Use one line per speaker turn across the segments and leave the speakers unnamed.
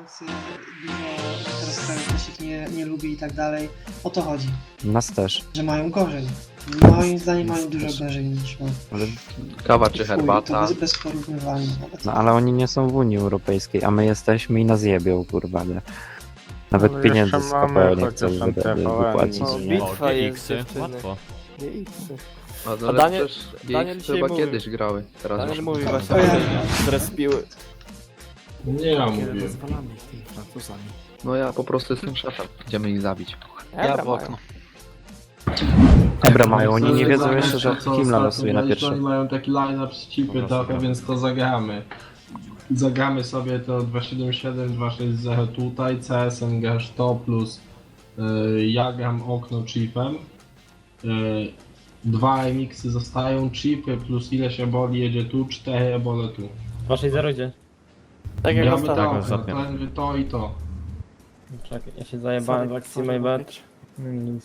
grający dużo teraz krajów też ich nie lubi i tak dalej. O to chodzi,
Nas też.
że mają gorzej. Moim zdaniem mają dużo gorzej niż my.
Ale,
Kawa czy
Chuj,
herbata?
to bez porównywania nawet.
no ale oni nie są w Unii Europejskiej, a my jesteśmy i nas jebią, kurwa, nie? Nawet
No
pieniędzy
jeszcze
z
mamy
KPO nie
chociaż
chcą
tam TVN,
wypłacić.
no.
Nie?
Bitwa jest,
GX-y,
dziewczyny.
łatwo.
A
A
Daniel,
Daniel-
też
Daniel
GX
dzisiaj
chyba
mówił.
kiedyś grały. Teraz
Daniel
już.
mówi właśnie,
To ja-
że zrespiły.
Nie ja mówię.
Rozwalamy ich tymi Francuzami.
No ja po prostu jestem szefem. Idziemy ich zabić.
Ja w okno.
Ebra mają, oni nie
Chcę
wiedzą
zagrać
jeszcze, że
to, co
Himla
ostatnio
losuje na
graliśmy,
pierwszy.
Oni mają taki line-up z chipy trochę, więc to zagramy. Zagramy sobie to 277, 260 tutaj, CSN grasz to plus ja gram okno chipem. Dwa remixy zostają, chipy plus ileś eboli jedzie tu, 4 ebole tu.
Waszej zerodzie.
Tak jak
Gramy to
ostatnio.
okno,
ostatnio.
to i to.
Czekaj, ja się zajebałem w akcji My Bad. Nic.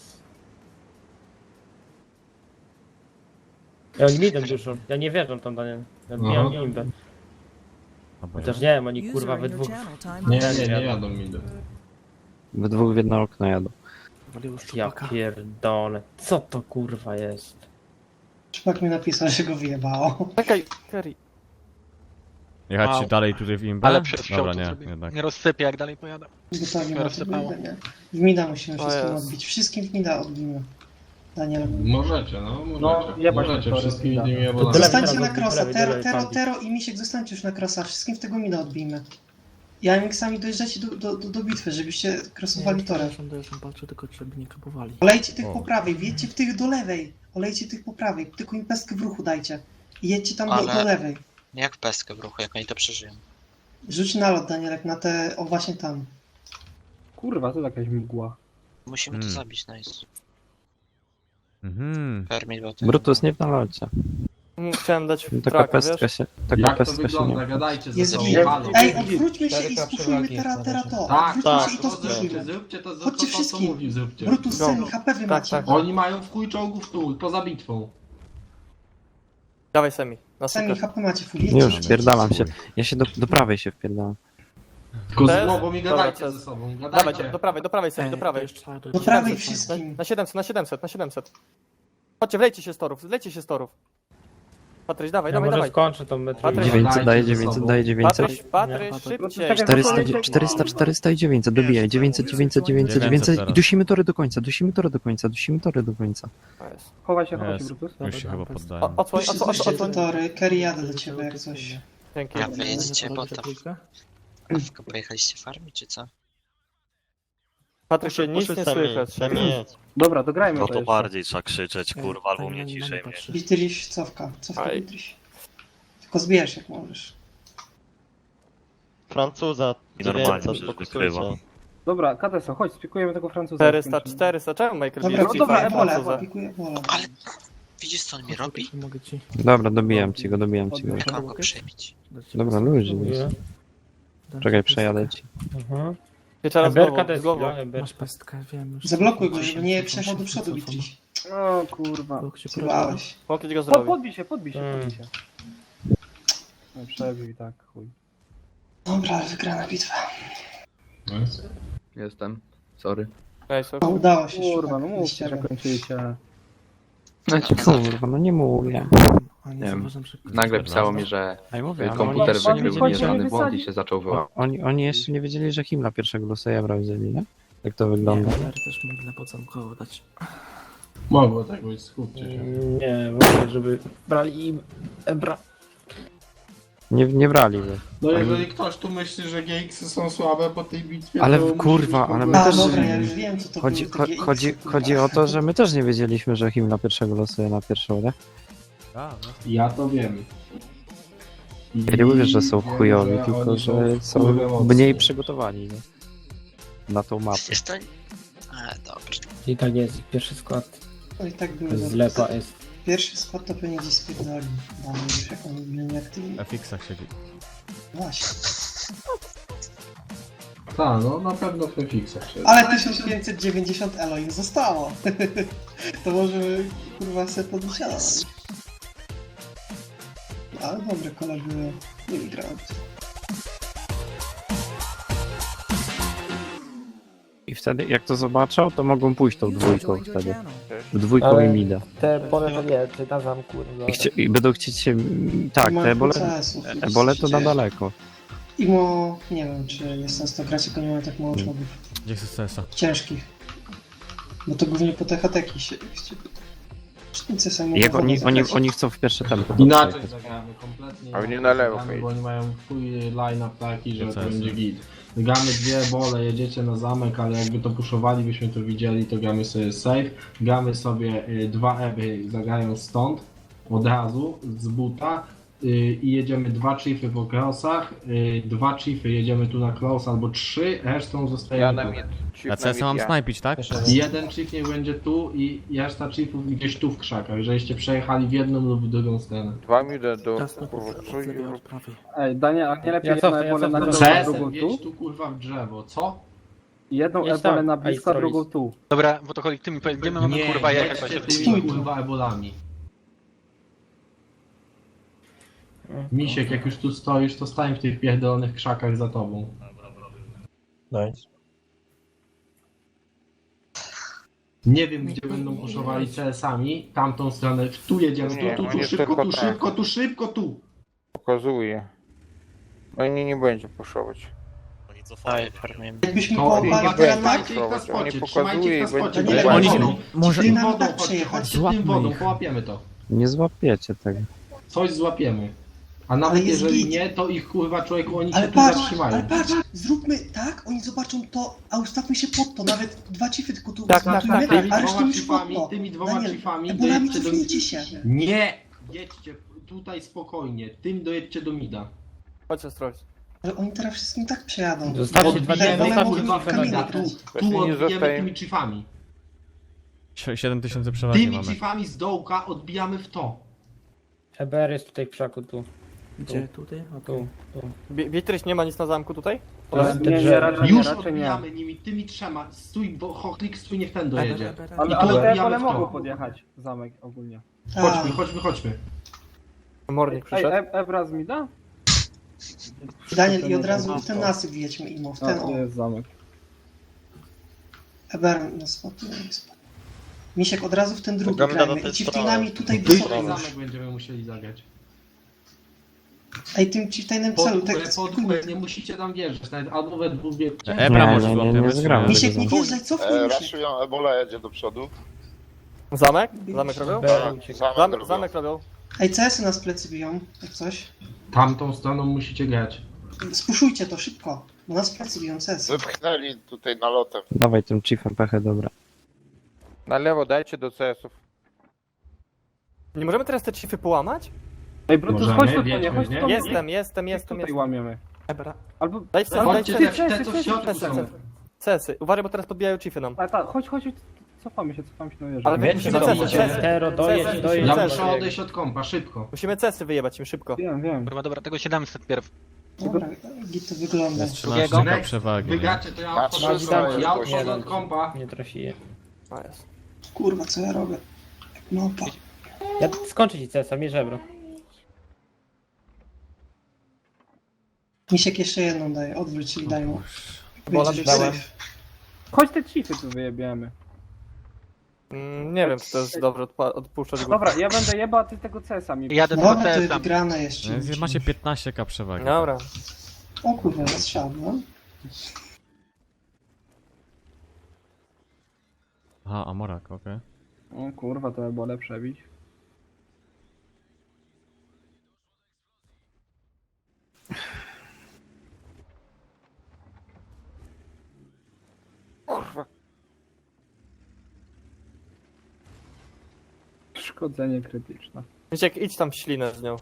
Ja oni midem dużo. Ja nie wierzę tam, Daniel. Ja
Aha.
bijam imbę. Chociaż nie wiem, oni kurwa we dwóch.
Nie jadą mi do.
We dwóch w jedno okno jadą.
Waliło
Ja
szczupaka.
pierdolę. Co to kurwa jest?
Szpak mi napisał, że go wyjebało.
Czekaj, Kerry.
Jechać
Wow.
dalej tutaj w imbę?
Ale przed wsią
Dobra,
to
nie,
sobie
jednak.
nie rozsypię jak dalej pojadę.
Gotowi na
rozsypało.
to nie? W mida musimy
O
wszystkim
Jezu.
odbić. Wszystkim w mida odbijmy. Daniel.
Możecie, no możecie. Możecie wszystkimi tymi
To
ebolami.
tyle-
Zostańcie
teraz
na krosa.
lewej, lewej,
Tero,
lewej.
Tero i Misiek, zostańcie już na krosa. Wszystkim w tego mida odbijmy. Ja miksami dojeżdżacie do bitwy, żebyście krosowali torem.
Dojeżdżam, patrzę tylko, żeby nie kapowali.
Olejcie tych
O.
po prawej, wjedźcie w tych do lewej. Olejcie tych po prawej, tylko im pestkę w ruchu dajcie. I jedźcie tam
Ale-
do lewej.
Jak pestkę w ruchu, jak oni to przeżyją.
Rzuć nalot, Danielek, na te, o właśnie tam.
Kurwa, to jakaś mgła.
Musimy to zabić, nice.
Mhm.
Permit, bo to...
Brutus nie w nalocie.
Chciałem dać
Taka
traka,
pestka
wiesz?
się, taka
Jak to
pestka się
wygląda?
nie...
Gadajcie ze
Jest
sobą,
git.
halo.
Ej, odwróćmy się i spuszujmy teraz to.
Tak,
Odwróćmy
tak,
się i to
to zróbcie,
spuszujmy.
zróbcie to,
Chodźcie
co
wszystkim.
mówi, zróbcie.
Brutus,
Go.
Semi, HP wy
Tak,
macie.
tak.
Oni mają w chuj czołgów tu, poza bitwą.
Dawaj Semi, na
Semi,
super.
HP macie, full.
Już, wpierdalam się. Ja się do prawej się wpierdalam.
Tylko
Bez-
z głową i
Dobra,
gadajcie
to-
ze sobą,
Dawaj,
gadajcie.
do prawej Semi, do prawej.
Do prawej wszystkim.
Na 700, na 700, na 700. Chodźcie, wlejcie się z torów. Patryś, dawaj,
Ja
dawaj,
może
dawaj.
skończę tą metrę.
Patryk.
900 daje
Dajcie ze
900,
sobą.
daje 900.
Patryś, szybciej.
400, 400, 400 i 900, dobijaj, 900, 900, 900, 900 i dusimy tory do końca, dusimy tory do końca, dusimy tory do końca.
Chowaj się,
Jest. Już się chyba poddaję.
Odsłoń,
Puśćcie te tory, Kerry jadę do ciebie jak coś.
Dzięki.
Ja wyjedziecie potem. Tylko pojechaliście farmi, czy co?
Patryk, się nic nie słychać.
Dobra, dograjmy
No
to
to
jeszcze.
bardziej trzeba krzyczeć, kurwa, albo mnie ciszej mieć.
Bitriś, cofka
Aj.
Bitriś. Tylko zbierz jak możesz.
Francuza I normalnie przecież wykrywa.
Dobra, Kateso, chodź, spikujemy tego Francuza.
400, czemu Michael
Dobra,
bierze
pikuję
Francuza?
wolę, pikuję wolę.
Ale... Widzisz co on mi robi?
Mogę ci
Dobra, dobijam ci go, dobijam ci go.
Jak mam go przebić?
Dobra, ludzi. Czekaj, przejadę ci.
Wieczora z
Berka
głową, z głową.
Masz pestkę, wiem już.
Zablokuj go, żeby nie przejechał do przodu Bitriś.
O kurwa.
Zjebałeś.
Pokryć go zrobił.
Podbij się. No przebił i tak, chuj.
Dobra, ale wygrana bitwa.
Nice.
Jestem. Sorry.
No, udało się.
Kurwa,
szpak,
no mówcie, że
ścierę.
kończycie.
Kurwa, no nie mówię.
Nie wiem. Nagle pisało mi, że
A ja mówię, ale
komputer
oni,
wykrył
chodźcie,
nieznany
nie
błąd i
wysadzi.
się zaczął wyłapać.
oni jeszcze nie wiedzieli, że Himla pierwszego losujebra wzięli, nie? Jak to wygląda?
też mogę podzamkowo dać.
Mogło tak być, skupcie się.
Nie, mówię, żeby brali im Ebra.
Nie brali go.
No jeżeli ktoś tu myśli, że GX-y są słabe po tej bitwie,
Ale
to musi
kurwa,
być
ale
w
my
A,
też-
dobra, ja już wiem co to
Chodzi,
były te
chodzi,
GX-y,
chodzi o to, że my też nie wiedzieliśmy, że Himla pierwszego losuje na pierwszą, nie?
Ja to wiem.
Ja nie mówię, że są
wiem,
chujowi,
że
tylko
oni
że
kurwa
są
mocni.
mniej przygotowani, nie? Na tą mapę.
Przecież to... A, dobrze.
I tak jest, pierwszy skład
No i tak były
zlepa jest.
Pierwszy skład to pewnie gdzieś spierdoli. Mamy już jak oni byli nieaktywni.
Na fixach siedzi.
Właśnie.
Tak, no na pewno w FX-ach się.
Ale 1590 elo im zostało. To możemy kurwa sobie podnieść. Ale dobre kole były. Nie wygrałem.
I wtedy jak to zobaczą, to mogą pójść tą dwójką wtedy. W dwójką i mida.
Te pole to nie, czy na zamku.
I będą chcieć się... Tak, te ebole to na daleko.
Imo, nie wiem, czy jest sens to grać, tylko nie ma tak mało czołgów.
Gdzie jest CS-a?
Ciężkich. Bo to głównie po te hateki się... Cztnicy sami
Jak
mogą zagrać.
oni chcą w pierwsze tempo.
Inaczej zagramy, kompletnie.
A oni
inaczej
na lewo
zagramy,
pojedź.
bo oni mają chuj line-up taki, że to
CS.
będzie git. Gramy dwie bole, jedziecie na zamek, ale jakby to puszowali, byśmy to widzieli, to gramy sobie safe. Gramy sobie dwa eby, zagrają stąd, od razu, z buta. I jedziemy dwa chiefy po crossach, dwa chiefy jedziemy tu na cross albo trzy, resztą zostajemy tu.
A CS-a mam snajpić, tak?
Jeden chief niech będzie tu i reszta chiefów gdzieś tu w krzakach, żeście przejechali w jedną lub w drugą stronę.
2 minut do
Jasno, od prawej.
Ej, Daniel, a nie lepiej
Ja
jedną
cofnę,
ebolę na
cofnę.
drugą,
CS,
drugą
jedź
tu?
tu kurwa w drzewo, co?
Jedną
Jedź
ebolę
tam,
na
a
blisko,
i
drugą tu.
Dobra, bo to chodzi tymi, gdzie my mamy kurwa jechać?
jedźcie
Stój
tymi
tu.
kurwa ebolami. Misiek, jak już tu stoisz, to stań w tych pierdolonych krzakach za tobą.
Nice.
Nie wiem, gdzie będą puszowali CS-ami, tamtą stronę, tu jedziemy,
Nie,
tu,
oni
szybko,
tylko
tu,
tak.
szybko, tu, szybko, tu!
Pokazuje. Oni nie będzie puszować.
Oni cofają.
Jakbyśmy
To
połapali
kurwa,
teraz tak,
trzymajcie ich na
Oni
spocie,
pokazuje
trzymajcie ich na
i
spocie,
będzie
bo
Oni-
wodą.
może-
Tym
Nam
wodą,
tak
chodźcie,
przejechać.
tym
Złapmy
wodą,
ich.
połapiemy to.
Nie złapiecie tego.
Coś złapiemy. A
Ale
nawet
jest
jeżeli
git.
nie, to ich kurwa człowieku, oni
ale
się tu
patrz,
zatrzymają.
zróbmy tak, oni zobaczą to, a ustawmy się pod to, nawet dwa chiefy tylko tu
Tak, tak,
zmontujemy,
tak.
Tymi
a resztą
dwoma
już pod
chiefami,
to.
tymi dwoma
Daniel,
chiefami
ebolami
dojedźcie do...
cofnijcie się.
Nie! Jedźcie tutaj spokojnie, tym dojedźcie do mida.
Chodź, Ostroś.
Ale oni teraz wszystkim tak przejadą.
Zostawcie dwa
Te
Odbijemy
ebole
kurwa
mogą
w
w kamienie,
mida,
tu.
tu
Właśnie nie
odbijemy
zostaje.
tymi chiefami.
7000 przewagi
Tymi
mamy.
chiefami z dołka odbijamy w to.
EBR jest tutaj w krzaku, tu.
Gdzie? Tutaj? Okej.
Bietryś nie ma nic na zamku tutaj?
Nie, raczej
Już
nie.
odbijamy nimi, tymi trzema. Stój, bo Hochlik stój, niech ten dojedzie.
Ale,
I tu
ale te
odbijamy
ebole
w to.
mogą podjechać zamek ogólnie.
Chodźmy.
Mornik
Ej,
przyszedł.
Ebra z mida?
Daniel, i od razu w ten nasyp wjedźmy imo, w ten o.
jest zamek.
Eber na spot, nie spot. Misiek, od razu w ten drugi
Gramy
grajmy
na
i
ten
chieftainami tutaj
Tutaj
wysoko.
zamek będziemy musieli zagrać.
Ej, tym chieftainem
Pod
celu,
górę,
tak
pod
spokójmy.
górę, nie musicie tam wjeżdżać, nawet albo we dwóch wiecie.
Ebra
Nie,
może
nie,
złapiemy.
nie zgramy.
Misiek, nie wjeżdżaj, cofnij Misiek.
Raszują, Ebola jedzie do przodu.
Zamek? Zamek robią?
Zamek
Zamek robią.
Ej, CS-y nas plecy biją, jak coś.
Tamtą stroną musicie grać.
Spuszujcie to szybko, bo nas plecy biją CS.
Wypchnęli tutaj nalotem.
Dawaj tym chiefem pechę, dobra.
Na lewo dajcie do CS-ów.
Nie możemy teraz te chiefy połamać?
Ej, Brutus,
Możemy,
chodź tu,
wiedźmy,
nie, chodź tu.
nie?
Jestem.
Tutaj łamiemy.
Ebra.
Albo...
Daj CS,
Ale
daj
Chodźcie,
CS.
te co w środku są.
CS-y. Uważaj, bo teraz podbijają chiefy nam.
chodź, cofamy się na wieżę.
Ale my musimy CS-y.
Tero, dojedź.
Ja
CS-y.
muszę odejść od kompa, szybko.
Musimy CS-y wyjebać im szybko.
Wiem.
Dobra, tego 700 pierw.
Dobra, git to wygląda.
Jest 13
Next.
przewagi. nie?
Wygracie, to ja
Na
odchodzę od
300
kompa. Ja
jest
odchodzę od kompa.
Nie trafiję.
A, jest.
Kurwa, co ja robię? Jak małpa.
Ja skończę ci CS-a, mi żebro.
Misiek jeszcze jedną daje, odwróć i daj mu.
Bola
Będzie
dałem.
safe.
Chodź te chiefy tu wyjebiemy.
Nie wiem, czy to jest dobrze odpuszczać go.
Dobra, ja będę jeba, a ty tego CS-a mi...
Jadę
No, to jest wygrane jeszcze.
Macie 15k przewagi.
Dobra.
O kurwa, zastrzał, no.
Aha, Amorak, okej.
O kurwa, to by było lepsze bić.
Kurwa.
Szkodzenie krytyczne.
Misiek, idź tam w ślinę z nią.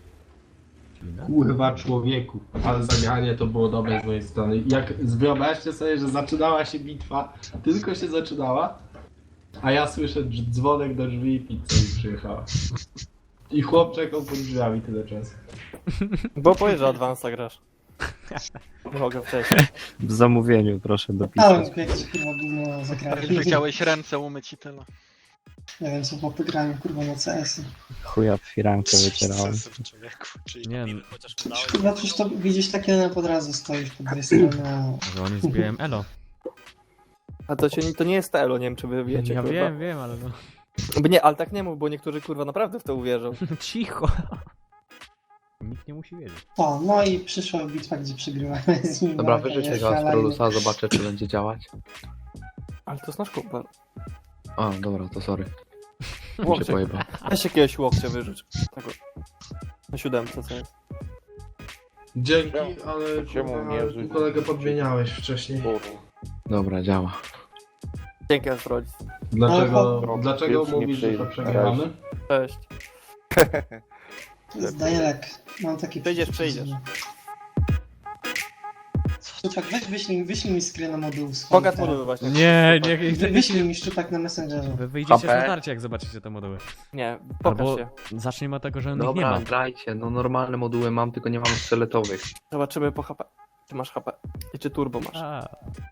Kurwa człowieku, ale zagranie to było dobre z mojej strony. Jak wyobraźcie sobie, że zaczynała się bitwa, tylko się zaczynała, a ja słyszę dzwonek do drzwi i pizza mi przyjechała. I chłop czekał pod drzwiami tyle czasu.
Bo powiedz, że Advance'a grasz. Nie mogę wcześniej.
W zamówieniu proszę
Dałem
dopisać.
tylko jakieś kurwa gówno zagrałem.
Chciałeś ręce umyć i tyle.
Nie wiem co chłopy grają kurwa na CS-y.
Chuja w firankę wycierałem.
Nie,
Kurwa, przecież to widzisz takie na pod razu stoisz po drugiej stronie.
że oni zbijają elo.
A to nie jest Elo, nie wiem czy wy wiecie,
Ja
kurwa.
wiem, ale no.
Bo nie, ale tak nie mów, bo niektórzy kurwa naprawdę w to uwierzą.
Cicho. Nikt nie musi wiedzieć.
O, no i przyszła bitwa, gdzie przegrywamy z nim.
Dobra,
no,
wyrzućcie
jest
go z
szalenie.
Prolusa, zobaczę czy będzie działać.
Ale to jest nasz kumpel.
A, dobra, to sorry. Się
Łokcie.
pojebał.
Weź jakiegoś łokcia wyrzuć. Tego. Na 7, co jest.
Dzięki, ale kurwa, tu kolegę podmieniałeś wcześniej.
Dobra, działa.
Dzięki, Astrolist.
Dlaczego mówisz, że to przegramy?
Cześć.
To jest Dajelek. Mam takie
Przejdziesz.
Szczupak, weź wyślij mi screena modułu.
Pogat moduły właśnie.
Nie,
Wyślij mi szczupak na Messengerze.
Wy wyjdziecie
HP.
na starcie, jak zobaczycie te moduły.
Nie, pokaż
Albo
się.
zacznijmy od tego, że on ich nie
Dobra,
ma.
grajcie, no normalne moduły mam, tylko nie mam sztyletowych.
Zobaczymy po HP. Czy masz HP? I czy turbo masz?
A,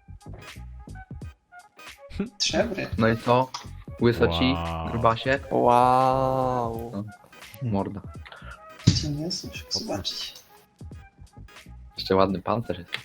Trzebry.
No i co? Łysoci,
Wow.
grubasie,
Wow.
morda.
Cię nie słyszę, zobaczyć.
Jeszcze ładny pancerz jest.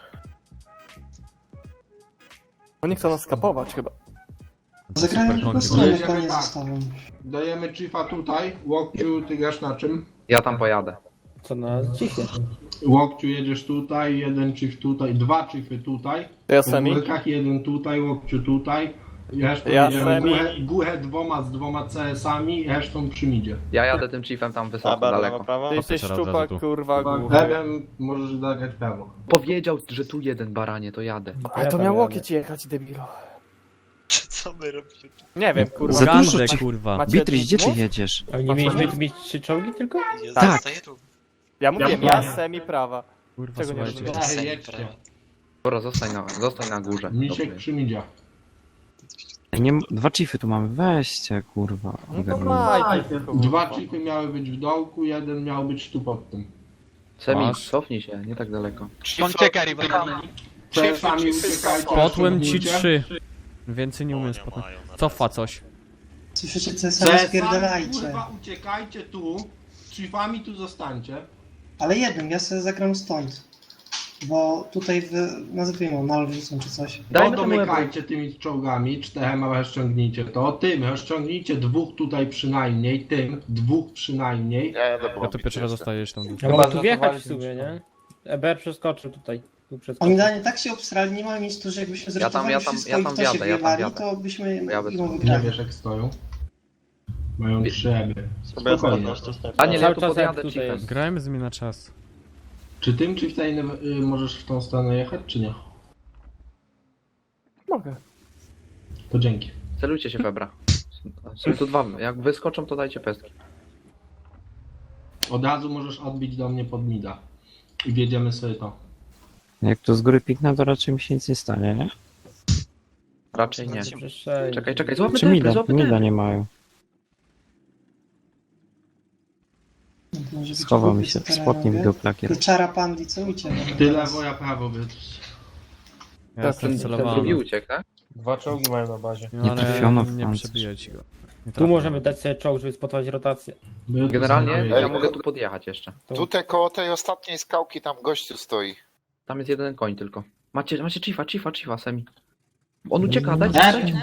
Oni chcą nas skapować chyba.
Zagrałem
super
tylko
konki.
stronę,
Jedziemy
koniec
tak.
zostawiam.
Dajemy Chiefa tutaj, Łokciu, ty grasz na czym?
Ja tam pojadę.
Co na cichie?
Łokciu jedziesz tutaj, jeden Chief tutaj, dwa Chiefy tutaj.
To ja
W
sami.
górkach jeden tutaj, Łokciu tutaj. Resztą
Ja
jedziemy
semi.
górę z dwoma CS-ami, resztą przy midzie.
Ja jadę tym chiefem tam wysoko, daleko.
Ty jesteś
teraz od razu
szczupak,
tu.
kurwa, głuchy.
Lewem możesz zagrać prawo.
Powiedział, że tu jeden baranie, to jadę.
Ale to miał łokieć jechać, debilu.
Co my robimy?
Nie wiem, kurwa.
Za dużo
Gandę,
ci-
kurwa.
Macie
Beatrice, gdzie ty
mów?
jedziesz?
A nie mieliśmy mieć 3 czołgi tylko?
Ja
Tak.
zostaję tu.
Ja mówiłem, ja semi prawa.
Kurwa,
Czego nie
słuchajcie.
rozumiem?
Jedźcie.
Dobra, zostań na górze.
Misiek
Dobrze.
przy midzie.
Nie, dwa chiefy tu mamy, weźcie, kurwa.
No to
ogarnij.
maj,
Dwa Chiefy miały być w dołku, jeden miał być tu pod tym.
Semi,
Masz?
cofnij się, nie tak daleko.
Ucieka, Rivalry.
CS-ami uciekajcie.
Potłem ci
ściągnijcie.
3. Więcej nie umiem spotnąć. Cofa coś.
Słyszycie, co sobie
CS-ami,
spierdalajcie.
kurwa, uciekajcie tu. Chiefami tu zostańcie.
Ale jednym, ja sobie zagram stąd. Bo tutaj nazwijmy mal wrzucą czy coś.
Dajmy
To
temu
domykajcie tymi czołgami, 4 rozciągnijcie to. Tym rozciągnijcie dwóch tutaj przynajmniej, tym dwóch przynajmniej.
Ja tu pierwszy raz zostajesz tam.
Ja mogę tu wjechać w sumie, nie? EBR przeskoczył tutaj. Tu przeskoczył.
Oni danie tak się obstrali, nie ma nic tu, że jakbyśmy zrezygnowali wszystko i w to się wjewali, to byśmy
Ja bez-
ją
Nie
wygrali.
wiesz jak stoją. Mają 3 eby. Spokojnie.
A nie, ja
Cały
tu
czas
podjadę
jak tutaj
chiefem.
jest.
Grajmy z nimi na czas.
Czy tym Chieftainem możesz w tą stronę jechać, czy nie?
Mogę.
To dzięki.
Celujcie się Febra. Są tu dwa, jak wyskoczą to dajcie pestki.
Od razu możesz odbić do mnie pod mida. I wjedziemy sobie to.
Jak tu z góry piknę, to raczej mi się nic nie stanie, nie?
Raczej nie.
Przeszedł.
Czekaj, złapmy
Czy
tempy,
mida nie mają.
Może być
Schował mi
głupi,
się
co
w
teraz
spodnie
robię.
wideoplakier.
Pieczara pandi, co ucieka?
Ty lewo, ja prawo, Bytrz.
Ja jestem
Ten drugi
celowany.
uciekł, tak?
Dwa czołgi mają na bazie.
No,
Nie
ale
trafiono w
nie
pancerz.
przebiję ci go. Nie
Tu
trafię.
możemy dać sobie czołg, żeby spotować rotację.
Generalnie ja mogę tu podjechać jeszcze.
Tutaj koło tej ostatniej skałki tam gościu stoi.
Tam jest jeden koń tylko. Macie Chiefa, Semi. On ucieka, dajcie.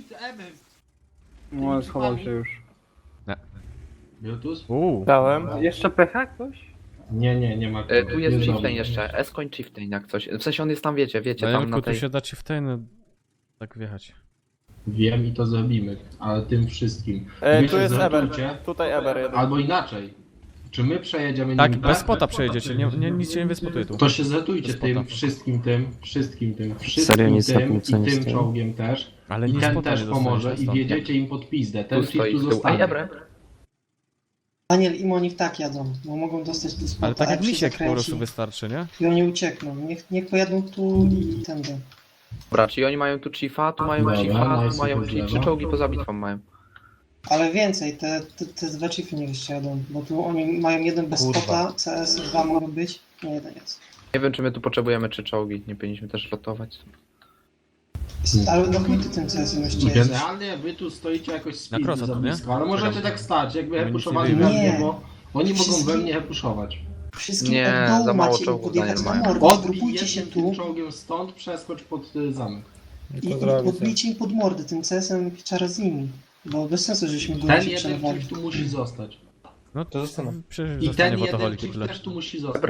No, schował się już.
Biotus?
Dałem.
Jeszcze PH ktoś?
Nie ma.
Tu jest
Jest
Chieftain
dobry.
jeszcze. S-koń Chieftain jak coś. W sensie on jest tam, wiecie, tam
Dajemku,
na
tu
tej...
się da ci w ten tak wjechać.
Wiem i to zrobimy, ale tym wszystkim.
Tu
się
jest Eber.
zrotujcie,
Tutaj Eber jeden.
albo inaczej. Czy my przejedziemy
Tak,
nim
bez spota przejedziecie, nic się nie wyspotuje tu.
To się zetujcie
Bez spota.
tym, wszystkim
Serio nie
tym
stopniu, co
i
nie
tym
stoi.
czołgiem też.
Ale
I
nie
ten
spota
też
nie dostaniesz
pomoże
na
i
stop.
wjedziecie im pod pizdę. Ten
Tu stoi
Chief tu
z tyłu.
zostanie.
Ej, Ebre.
Daniel i Monik tak jadą, bo mogą dostać do spota,
Ale tak jak
jak się
misiek po
zakręci
prostu wystarczy, nie?
i oni uciekną. Niech pojadą tu i tędy.
Dobra, czyli oni mają tu Chiefa, tu mają
Dobra,
Chiefa,
nice,
tu mają
super,
3 czołgi poza bitwą mają.
Ale więcej, te dwa chiefy niech jeszcze jadą, bo tu oni mają jeden bez spota, CS, dwa mogą być, nie jeden jest.
Nie wiem, czy my tu potrzebujemy 3 czołgi, nie powinniśmy też lotować.
Ale no chuj ty tym CS-em jeszcze jedziesz.
Generalnie wy tu stoicie jakoś z
Na
pizdy
krosa
za
tu, nie?
blisko, ale możecie tak stać, jakby
nic
hepuszowali
nie
we
wiemy.
mnie, bo oni mogą
Wszystkim-
we mnie hepuszować.
Wszystkim
Nie,
od dołu
za mało
macie im
czołgów
podjechać na
Daniel ma.
mordę,
Odbij
zgrupujcie się
jednym
tu.
tym czołgiem stąd, przeskocz pod zamek.
I podbicie im pod mordy tym CS-em pieczara z nimi. Bo bez sensu, żeśmy go
Ten
się
jeden
przelewali.
chief tu musi zostać.
No to przecież
I
zostanie
ten
w
jeden
autoholiki
chief
tyle.
też tu musi zostać.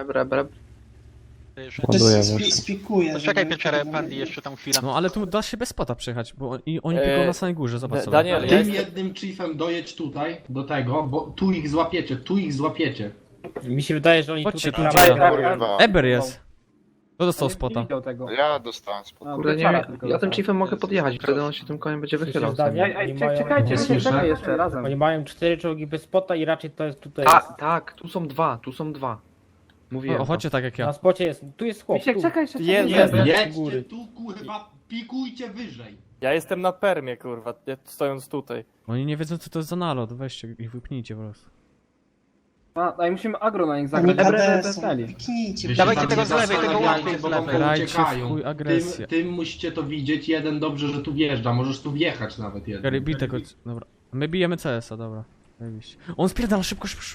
To
Ładuję
jest
właśnie.
spikuje.
Czekaj pieczarę, Pandy, jeszcze tam chwilę.
No ale tu da się bez spota przejechać, bo oni tylko na samej górze, zobacz sobie.
Daniel, ja
Tym
jestem...
jednym chiefem dojedź tutaj, do tego, bo tu ich złapiecie.
Mi się wydaje, że oni
Chodźcie
tutaj
tu,
prawej-
gdzie-
Kurwa.
Eber jest. Kto dostał spota?
Ja dostałem spod.
Kurde, nie wiem, ja tym chiefem mogę podjechać, wtedy on się tym koniem będzie wychylał.
Nie słyszę.
jeszcze razem.
Oni mają 4 czołgi bez spota i raczej to jest tutaj.
Tak, tu są dwa. Mówiłem
O,
to.
chodźcie tak jak
Na
ja.
spocie jest. Tu jest chłop. Tu.
Jest.
Jedźcie tu, kurwa, pikujcie wyżej.
Ja jestem na permie, kurwa, stojąc tutaj.
Oni nie wiedzą co to jest za nalot, weźcie ich wypnijcie po prostu.
A i musimy agro na nich
Oni KD są. Piknijcie.
Wy się
Dawajcie
tam
tego
nie
z lewej, tego
zastanawiajcie,
łapy z
bo wam
lewej.
Grajcie w
uciekają.
chuj agresję.
Tym musicie to widzieć, jeden dobrze, że tu wjeżdża, możesz tu wjechać nawet jeden.
Gary, bij tego, dobra. My bijemy CS-a, dobra. Zajebiście. On spierdala szybko, szybko.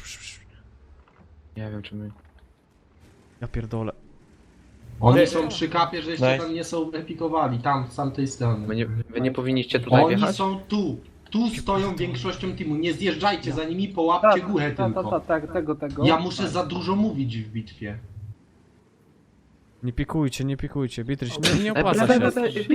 Nie wiem, czy my...
Ja pierdolę.
Oni są przy kapie, żeście tam nie są epikowali, tam, z tamtej strony.
Wy nie powinniście tutaj
Oni
wjechać?
są tu. Tu stoją większością teamu, nie zjeżdżajcie za nimi, połapcie górę tylko.
Tego.
Ja muszę za dużo mówić w bitwie.
Nie pikujcie, Bitrys, nie opłaca się.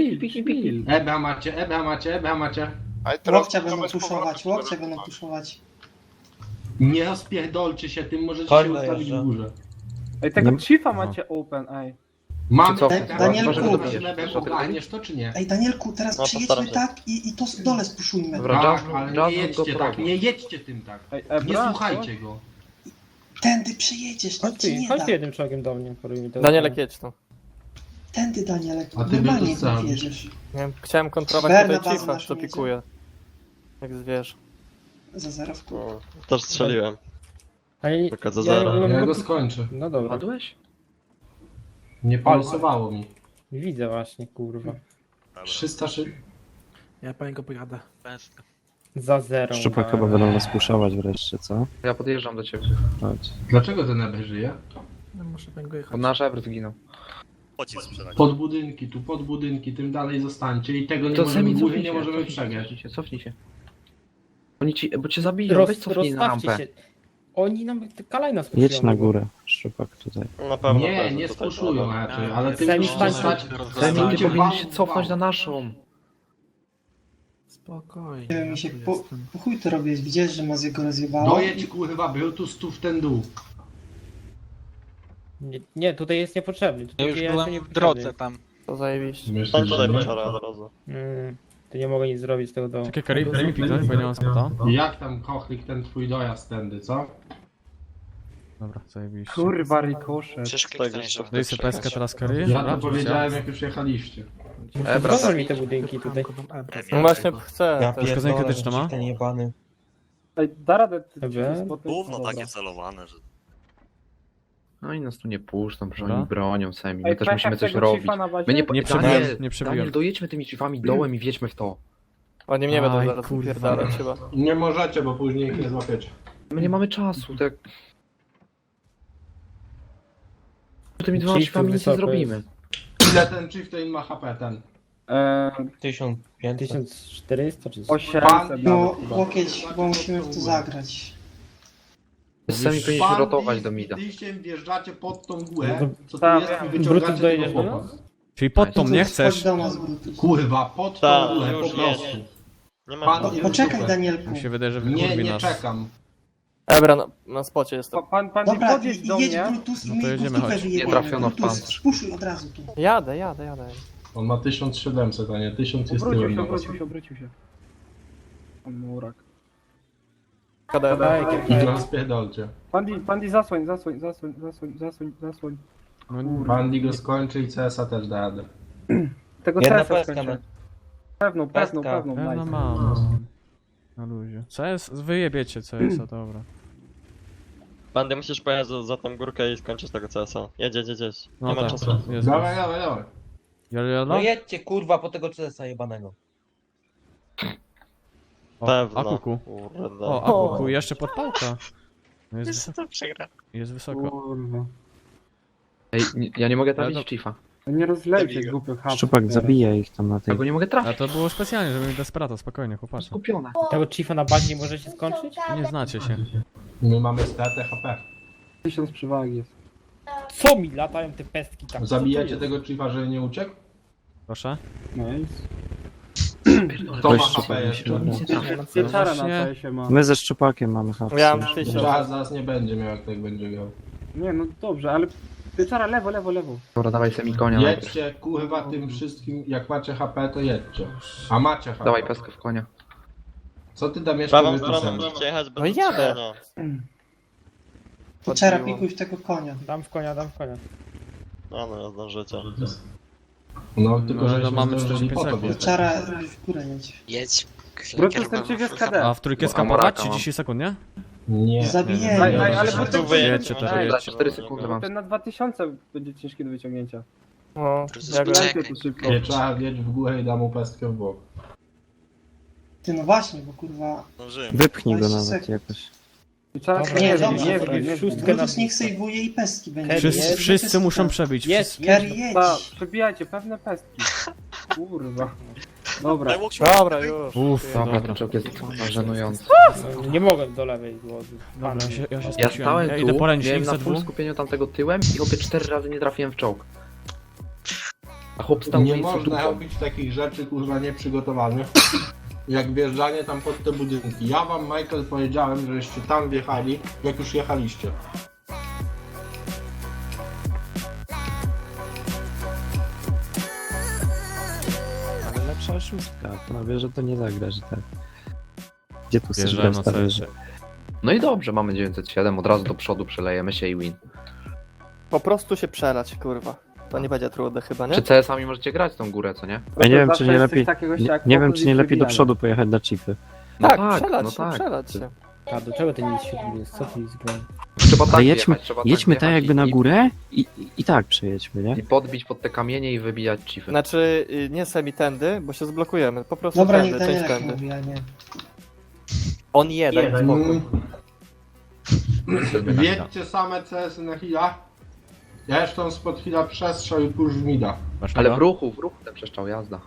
Ebra macie.
Ale teraz
Łokcia
to
będą
bez
puszować,
powrotu
łokcia
będą
będą puszować.
Nie rozpierdolcie się tym, możecie się ustawić w górze.
Ej,
tego
chiefa macie open, ej.
Mam
Co?
Danielku.
ogarniesz to czy nie?
Ej, Danielku, teraz
No,
przyjedźmy
postaram się.
tak i to z dole spuszujmy.
Dobra.
Tak,
Jazz-
ale
Jazz
nie jedźcie
go
tak,
prowadzi.
nie jedźcie tym tak. Nie słuchajcie go.
Tędy przejedziesz, to
Chodź
ci
ty,
nie
chodź
da.
ty jednym czołgiem do mnie. porój mi to.
Danielek, jedź tu.
Tędy, Danielek,
A ty
normalnie
by to sam.
wjedziesz.
Nie wiem, chciałem kontrolować
Berna
tutaj
bazę
chiefa,
naszą
co
jedzie.
pikuje. Jak zwierz.
Za zerowku.
Też strzeliłem.
Ale
Tylko za
ja
zero.
nie
Ja
mogę-
go skończę.
No dobra,
Padłeś?
Nie polosowało mi.
widzę właśnie, kurwa.
300
Ja po niego pojadę.
Za 0.
Szczupak chyba będą nas puszować wreszcie, co?
Ja podjeżdżam do ciebie.
Chodź.
Dlaczego ten Eber żyje?
No muszę po niego
Bo
jechać.
nasz Ever zginął.
Pod budynki, tym dalej zostańcie i tego nie
To
możemy,
sami
góry
cofnij
nie
się,
możemy
cofnij
przegrać.
się, cofnij się. Oni ci, bo cię zabiją, weź cofnij na
Rozstawcie
rampę.
się. Oni nam kalajna
Jedź
spuszczają.
na górę, Szczupak tutaj.
Na pewno.
Nie,
pewno
nie
tutaj
spuszują
trzeba.
raczej, ale ty
Sami
musisz
stańcie.
stać...
Semi, ty
stańcie
powinien
wał
się
w
cofnąć
wał.
na naszą.
Spokojnie.
Nie wiem, mi się po
jestem.
chuj to robisz, widziałeś, że Maz go rozjebało?
Dojedź kurwa, Brutus tu w ten dół.
Nie, tutaj jest niepotrzebny. Tutaj
Ja już
jestem
byłem w
niepotrzebny.
drodze tam.
To zajebiście.
Myślisz,
Tam tutaj
że-
pieczara od razu.
To nie mogę nic zrobić z tego domu.
Czekaj, Karib, daj mi piknąć, bo ja nie mam spota.
Jak tam kochlik ten twój dojazd tędy, co?
Dobra, zajebiście.
Kurwa, rikosze.
Przecież ktoś jeszcze
Daj sobie peskę teraz, Kary.
Ja
Dobra,
to powiedziałem jak już jechaliście.
Ebra,
Zobacz mi te budynki tutaj.
No właśnie chcę. też.
Uszkodzenie krytyczne ma?
Ej, da radę.
Dobra.
Gówno
celowane, że...
No i nas tu nie puszczą, że
Dobra.
oni bronią Semi. My też musimy coś robić. My nie,
Nie
Daniel,
przebiłem, nie przebiłem.
Daniel, dojedźmy tymi drzwiami dołem i wjedźmy w to.
Oni mnie będą
Aj,
zaraz
kurwa.
wypierdalać chyba.
Nie możecie, bo później ich nie złapiecie.
My nie mamy czasu, tak... Tymi dwoma
Chief
drzwiami nic nie
wysoko
zrobimy.
Ile ten chieftain ma HP ten?
1400 czy coś.
800
No, łokieć, bo musimy w to zagrać.
Semi powinniśmy rotować do mida.
Liściem wjeżdżacie pod tą górę,
No
co tu
tak,
jest i
Brutus
wyciągacie
dojedziesz
tego
do
chłopa.
nas?
Czyli pod tą nie
Chodź
chcesz?
do nas, Brutus.
Kurwa, pod tą
Tak,
górę, po
już
prostu.
Nie ma
Pan-
problemu.
Poczekaj, Danielku.
Mi się wydaje, że
Nie,
wykurwi
nie
nas.
czekam.
Ebra, na spocie jestem.
Dobra, jedź Brutus i
No to
my
jedziemy,
go w dupę
chodź.
wyjebiemy.
Nie trafiono w
Brutus,
pancerz.
spuszuj od razu tu.
Jadę.
On ma 1700, a nie 1000 jest tyłem na was.
obrócił się. Murak.
I nas spierdolcie.
Pandi, zasłoń.
No, nie-
Bandy go skończy i CS-a też da radę.
Tego CS skończę. Pewną,
Pewno mam. Na luzie. CS? Wyjebiecie CS-a, dobra.
Bandy musisz pojechać za tą górkę i skończyć tego CS-a. Jedź.
No
Nie ma
tak,
czasu.
jest.
Dawaj.
Jolo?
jedźcie kurwa po tego CS-a jebanego.
O,
Pewno.
Akuku.
Kurde.
O, Akuku, jeszcze podpałka. No jest,
to przegra.
jest wysoko.
Ej, ja nie mogę trafić
Ale
w Chiefa.
Nie rozlejcie głupych hapów.
Szczupak zabija ich tam na
Ja
tej...
go nie mogę
A
trafić.
to było specjalnie, żeby mi Desperata, spokojnie, chłopacze.
Skupione.
Tego chiefa na bazie nie możecie skończyć?
Nie znacie się.
My mamy stratę HP.
1000 przewagi jest. Co mi latają te pestki tam?
Zabijacie tego chiefa, żeby nie uciekł?
Proszę.
Nice.
Kto
Weź
ma
szczupak,
HP
mi się
jeszcze?
wydaje.
Pieczara na
Właśnie-
CS-ie ma.
My ze szczupakiem mamy hapsy.
Ja mam 1000.
Zaraz nie będzie miał, jak tak będzie grał.
Nie no dobrze, ale pieczara lewo.
Dobra, dawaj semi konia najpierw.
Jedźcie, kurwa, tym wszystkim, jak macie HP, to jedźcie. A macie HP.
Dawaj peskę w konia.
Co ty tam jeszcze
Prawą
wypisałeś?
stroną możecie jechać bez
No jadę.
utrzymania.
Pieczara, pikuj w tego konia.
Dam w konia.
No, zdążycie.
No, tylko
No,
że
no, mamy
zdążyli
45
po to
sekund.
wjechać.
Pieczara, w górę jedź.
Jedź.
Brutus ten chief jest KD.
A w trójkę
Bo
skapować?
Amoraka
30 sekund, nie?
Nie.
Zabijemy.
Ale
Tu
potem
wyjedźcie też.
Ej,
Za 4 sekundy mam.
ten na 2000 będzie ciężki do wyciągnięcia.
No,
Brutus,
jak
poczekaj.
To szybko.
Trzeba wjeść w górę i dam mu pestkę w bok.
Ty no właśnie, bo kurwa...
Wypchnij go
20
nawet
sekund.
jakoś.
Pieczara
Nie,
nie
dobrze,
nie
dobra,
w szóstkę na
Brutus niech sejwuje i pestki będzie.
Wszyscy muszą przebić.
Jest,
Kerry, jedź.
przebijajcie pewne pestki. Kurwa. Dobra,
Dobra, już.
Uff,
Dobra,
dobra.
ten czołg jest żenujący.
nie mogę do lewej głowy.
Dobra, ja się
Ja
skupiłem.
stałem
Ja idę
tu,
po
miałem
ręcznik
na
za
full
dwóch.
skupieniu tamtego tyłem i chłopie 4 razy nie trafiłem w czołg. A chłop stał
Nie
w miejscu
można
dupą.
robić takich rzeczy, kurwa, nieprzygotowanych. Jak wjeżdżanie tam pod te budynki. Ja wam, Michael, powiedziałem, żeście tam wjechali, jak już jechaliście.
Ale lepsza szóstka. No wie, że to nie zagra, że tak. Gdzie tu chcesz
Wjeżdżałem
grać
na
stary?
CS.
No i dobrze, mamy 907, od razu do przodu przelejemy się i win.
Po prostu się przelać, kurwa. To nie będzie trudne chyba, nie?
Czy CS-ami możecie grać tą górę, co nie?
Ja nie wiem,
Zawsze
czy nie
jest
lepiej...
coś takiego
Nie,
jak
nie wiem,
fokus
czy nie
i
lepiej do
przebijanie.
przodu pojechać na chipy.
No
Tak,
tak,
przelać
no
się,
tak.
przelać się.
A do czego ty nie świetny jest? Co ty zgrałem?
Trzeba tak
Ale
wjechać,
jedźmy,
trzeba
jedźmy tak
wjechać
jakby na
i-
górę i tak przejedźmy, nie?
I podbić pod te kamienie i wybijać cify.
Znaczy, nie semi tędy, bo się zblokujemy. Po prostu
Dobra,
tędy,
niech
część
Danielek
tędy.
mówi, a nie.
On jeden, spokój.
Wjedźcie same CS na chwila. Ja jeszcze tam spod chwila przestrzał i push w mida.
Masz
Ale
tego?
w ruchu ten przeszczał jazda.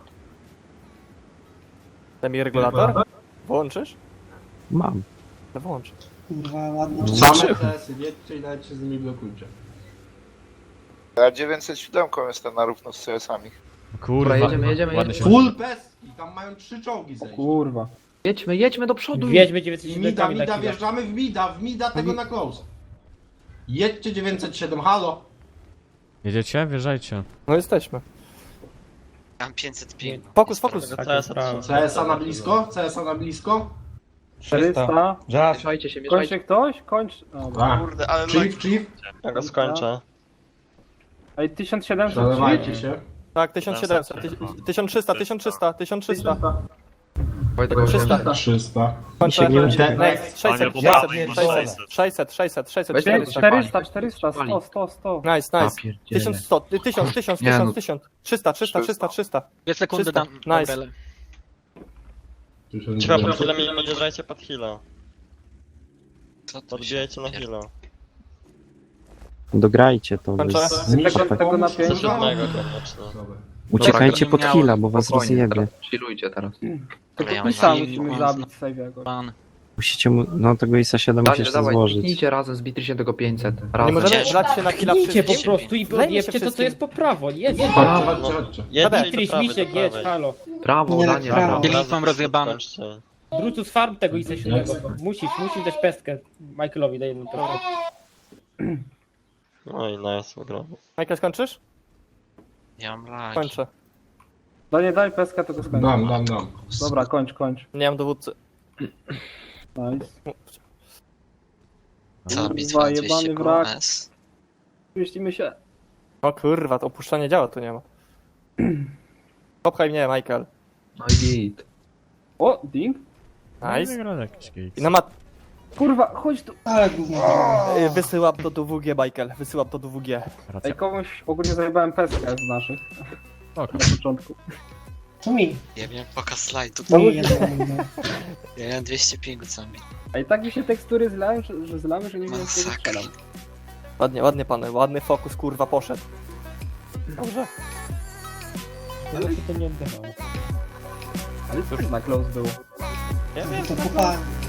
Semi regulator? Włączysz?
Mam.
No włącz.
Kurwa, ładnie.
Same CS-y wjedźcie i nawet się z nimi blokujcie.
Ja 907 jestem na równo z CS-ami.
Kurwa,
jedziemy.
ładnie się...
Full pestki, tam mają 3 czołgi zejść.
Kurwa.
Jedźmy do przodu.
Wiedźmy
I
907
mida, wjeżdżamy w mida tego na close. Jedźcie 907, halo.
Jedziecie? Wjeżdżajcie.
No jesteśmy.
Mam 505.
Fokus, fokus.
CS-a na blisko, CS-a na blisko.
400.
Mieszajcie się,
Kończy
mieszajcie.
ktoś? Kończ. Dobra.
A,
Kurde, ale
chief.
Ja go skończę.
Ej, 1700
Przelewajcie się.
Tak, 1700, 1300, 1300, 1300.
Wojtek, go
300.
300.
Kończę.
nie uciekaj.
Next, 600, 600,
Weź
400, 400, 100, 100.
Nice, nice.
pierdzielę.
1100, 1000, 1000,
Nie, no.
1000, 300, 300, 300, 300.
2 sekundy
300.
dam.
Nice.
Trzeba po chwilę mi podjeżdżajcie pod heal'a.
Co tu się...
Podbijajcie na heal'a.
Dograjcie to.
Kończę.
Tego na 5.
Do 7 koniecznie.
Uciekajcie
Dobra,
pod heal'a, bo was
Spokojnie,
rozjebie.
teraz chillujcie teraz.
Tego
Ja
pisa
mam
musimy
mam
zabić save'ego.
Pan.
Musicie mu... No tego ISA 7 musisz to
Dawaj,
złożyć.
kliknijcie razem, zbijcie tego 500.
Nie
Razem.
możemy wlać się na chwilę
Idźcie po
wszystkim.
prostu i podjebcie to, co jest po prawo. Jedź.
Chodźcie, chodźcie.
Jedźcie i
Tris,
do prawej,
Misiek,
do
jedź,
prawej.
halo.
Prawo,
Nie,
Daniel,
prawo.
prawo.
Kielich mam rozjebane.
Kończcie.
Brutus farm tego ISA 7. Musisz dać pestkę. Michaelowi daj jedną pestkę.
No i nice, wygramy.
Michael, skończysz?
Ja mam lagi.
Kończę.
Daj pestkę, to go skończę.
Dam.
Dobra, kończ.
Nie mam dowódcy.
Nice.
Cała
Kurwa,
bitwa
jebany
200
wrak.
KS.
Mieścimy się.
O kurwa, to opuszczanie działa tu nie ma. Popchaj mnie, Michael.
No i git.
O, ding.
Nice.
Wygrał jakiś kick.
I na mat...
Kurwa, chodź tu.
Ale gówno.
Wysyłam to do WG, Michael. Wysyłam to do WG.
Racja.
Ej, komuś ogólnie zajebałem pestkę z naszych.
Spoko.
Na początku.
To mi.
Ja miałem pokaz slajdu.
To mi jedno mówię.
Ja miałem 205 sami.
A i tak mi się tekstury zlałem, że zlamy, że nie wiem jak tego
Masakra.
strzelam.
Ładnie, ładnie pany. Ładny fokus, kurwa, poszedł. Dobrze.
Ale się to nie odbywało.
Ale cóż, na close było.
Ja wiem,
To kupa